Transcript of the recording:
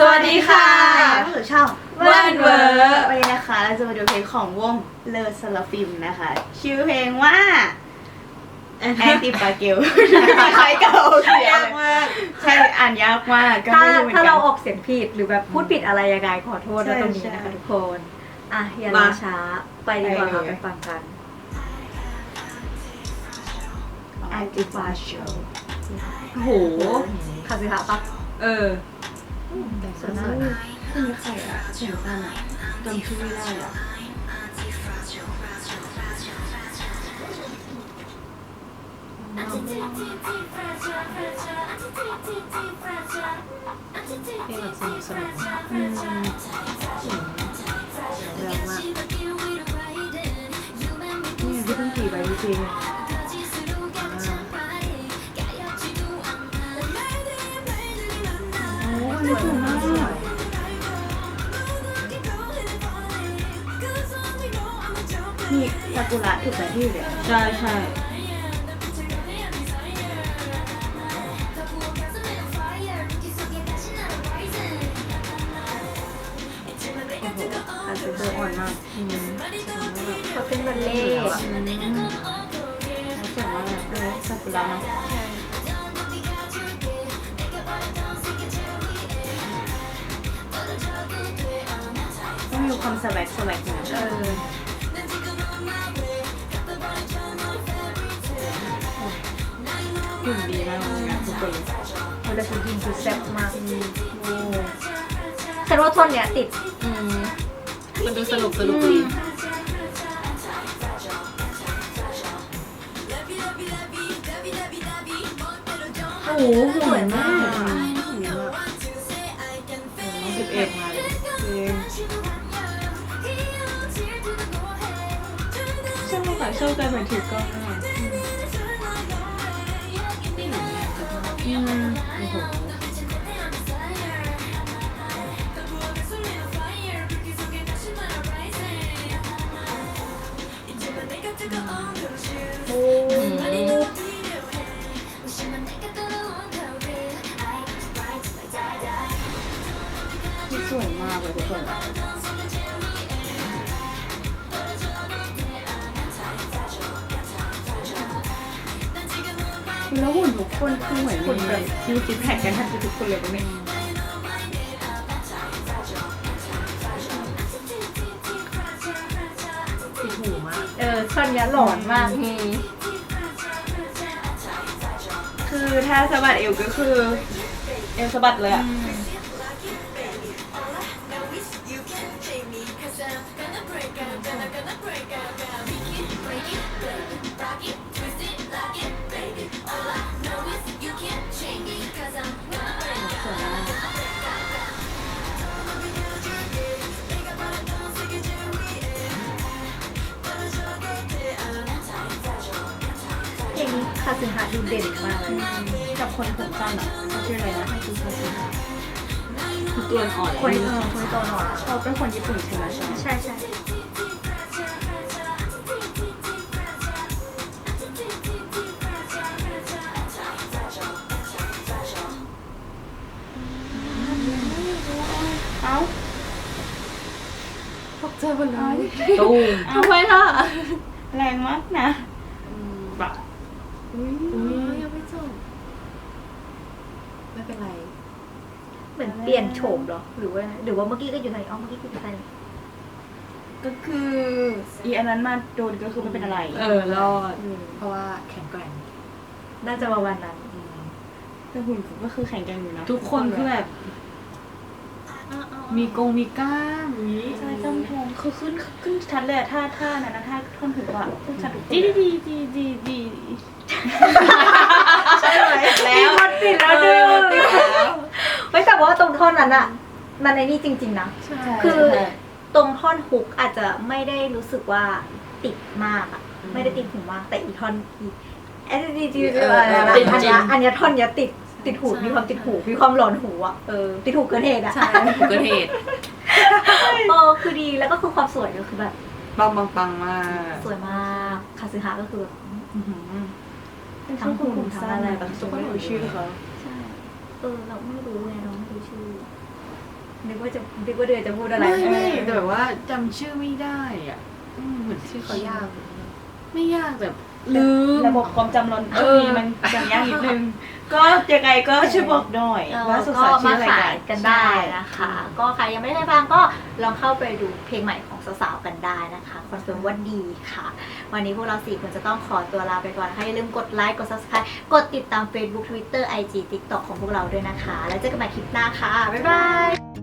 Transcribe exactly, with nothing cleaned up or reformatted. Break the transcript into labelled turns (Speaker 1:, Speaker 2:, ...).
Speaker 1: วัสดีค่ะ
Speaker 2: ก็คือช่อง
Speaker 1: เวิร์นเวิร์
Speaker 2: วันนี้นะคะเราจะมาดูเพลงของวงเลอสลาฟิมนะคะ ชื่อเพลงว่าแอนติปาเกลใครเก่าเขียนมากใช่อ่านยากมากก็
Speaker 1: ถ้า
Speaker 2: ไม่รู้เหมือน
Speaker 1: ถ้า
Speaker 2: กั
Speaker 1: เรา
Speaker 2: น
Speaker 1: ออกเสียงผิดหรือแบบพูดผิดอะไรยังไงขอโทษ
Speaker 2: ใช่
Speaker 1: นะตรงนี้นะคะ
Speaker 2: ใช่
Speaker 1: ทุกคนอ่ะอย่ารอช้าไปดีกว่าค่ะ
Speaker 2: ไป
Speaker 1: ไป
Speaker 2: เลย
Speaker 1: ฟังกัน
Speaker 2: แอนติปาเกล
Speaker 1: โอ้โหคาสิฮะปะเออ
Speaker 2: ส่วนนั้นคือใครอะเสียงสั้นอะจำชื่อไม่ได้อะ
Speaker 1: เพลงแบบสนุกสนุก
Speaker 2: อืม
Speaker 1: เรื่องมาก
Speaker 2: นี่ที่เพิ่งขี่ไปจริงๆโอ้ยสวยมากนี่ซากุระถูกแต่ที่เลย
Speaker 1: ใช่ใช่
Speaker 2: อาจจะเจออ่อนมาก
Speaker 1: อืมเขาเป็นบัลเล่ต์
Speaker 2: อืมแล้วเสียงว่าแบบเออซากุระเนาะต้องมีความสวักสวักหน่อย
Speaker 1: เออ
Speaker 2: หุ่นดีมากเลยนะทุกคน
Speaker 1: เวลาฉันยิงคือแซ่บมาก
Speaker 2: โอ้
Speaker 1: ฉันว่าท่อนเนี้ยติด
Speaker 2: อืม
Speaker 1: มันดูสนุกสนุกดี
Speaker 2: โอ้โหสวยมากสิบเอ็ดมาเลยจริงชอบค่ะชอบการเหมือนถือกล้องอ่ะอืมโอ้โหโอ้ที่สวยมากเลยทุกคนแล้วหุ่นทุกคนคือเหมือนคนแบบมีซิกแพคกันแทบจะทุกคนเลยปะเนี่ย
Speaker 1: ติดหูมาก เออท่อนเนี้ยหลอนมาก
Speaker 2: คือถ้าสะบัดเอวก็คือเอวสะบัดเลยอ่ะ
Speaker 1: เพลงนี้คาสิฮะดูเด่นมากเลย
Speaker 2: กับคนผมสั้นอ่ะเขาชื่ออะไรนะคือเขาชื่อคือตัวอ่อน
Speaker 1: คนเออคนตัวหนอน
Speaker 2: เขาเป็นคนญี่ปุ่นใช่ไหมใช่ไหม
Speaker 1: ใช่ใช่
Speaker 2: เอ้า
Speaker 1: ตกใจหมดเลย
Speaker 2: ตูม
Speaker 1: ทำไมล่ะ
Speaker 2: แรงมากนะแบบ
Speaker 1: อุ้ยยังไม่จบไม่เป็นไร เหมือนเปลี่ยนโฉมเหรอ หรือว่าไงหรือว่าเมื่อกี้ก็อยู่ไหนอ๋อเมื่อกี้ก็อยู่ไหน
Speaker 2: ก็คืออีอันนั้นมาโดนก็คือไม่เป็นอะไร
Speaker 1: เออรอด
Speaker 2: อืม
Speaker 1: เพราะว่าแข็งแกร่ง น่าจะประมาณนั้น
Speaker 2: แต่หุ่นผมก็คือแข็งแกร่งอยู่นะ
Speaker 3: ทุกคนคือแบบ มีกงมีกล้ามนี้
Speaker 2: ใช่ต้องทองคือขึ้นขึ้นชัดเลยอะท่าท่านั้นนะท่าท่อนหูอะขึ้นชัดทุกคน
Speaker 3: ดี
Speaker 2: เลย
Speaker 3: ดีดีดีดี
Speaker 2: ใช่ไหมแล้ว
Speaker 1: มันปิดแล้วดึงไม่แต่ว่าตรงท่อนนั้นอะมันในนี่จริงๆนะ
Speaker 2: ใช่
Speaker 1: คือตรงท่อนฮุกอาจจะไม่ได้รู้สึกว่าติดมากอะไม่ได้ติดหูมากแต่อีท่อนอีเอสดีจีอันเนี้ยอันเนี้ยท่อนเนี้ยติดติดหูมีความติดหูมีความหลอนหูอะเออติดหูเกินเหตุอะ
Speaker 3: ใช่เกิดเหตุ
Speaker 1: เออคือดีแล้วก็คือความสวยก็คือแบบ
Speaker 3: ปังปังปังมาก
Speaker 1: สวยมากคาซึฮะก็คือแบบ
Speaker 2: อื้อหือเป็นช่วงหุ่นผมสั้นอะไรแบบทุกคนรู้ชื่อเขา
Speaker 1: ใช่ เออ เราไม่รู้ไงเราไม่รู้ชื่อ
Speaker 2: อ
Speaker 1: นึกว่าจะนึกว่าเดือนจะพูดอะไร
Speaker 3: ไม่ไม่แต่แบบว่าจำชื่อไม่ได้อ่ะอืมเหมือนชื่อเขายาก ไม่ยากแบบลืม
Speaker 2: ระบบความจำเรา
Speaker 3: เอ
Speaker 2: ช่ว
Speaker 3: อ
Speaker 2: งนี้มันจำยากนิดนึง ก็ยังไงก็ช่วยบอกหน่อย
Speaker 1: เออ
Speaker 2: ว่าสุ
Speaker 1: ก็
Speaker 2: สานชื่
Speaker 1: มา
Speaker 2: ออะไร
Speaker 1: ขาย
Speaker 2: กัน
Speaker 1: กันได้นะคะ ก็ใครยังไม่ได้ฟังก็ลองเข้าไปดูเพลงใหม่ของสาวๆกันได้นะคะคอนเฟิร์มว่าดีค่ะ วันนี้พวกเราสี่คนจะต้องขอตัวลาไปก่อนนะคะอย่าลืมกดไลค์กด Subscribe กดติดตาม Facebook Twitter ไอ จี TikTok ของพวกเราด้วยนะคะ แล้วเจอกันใหม่คลิปหน้าค่ะ บ๊ายบาย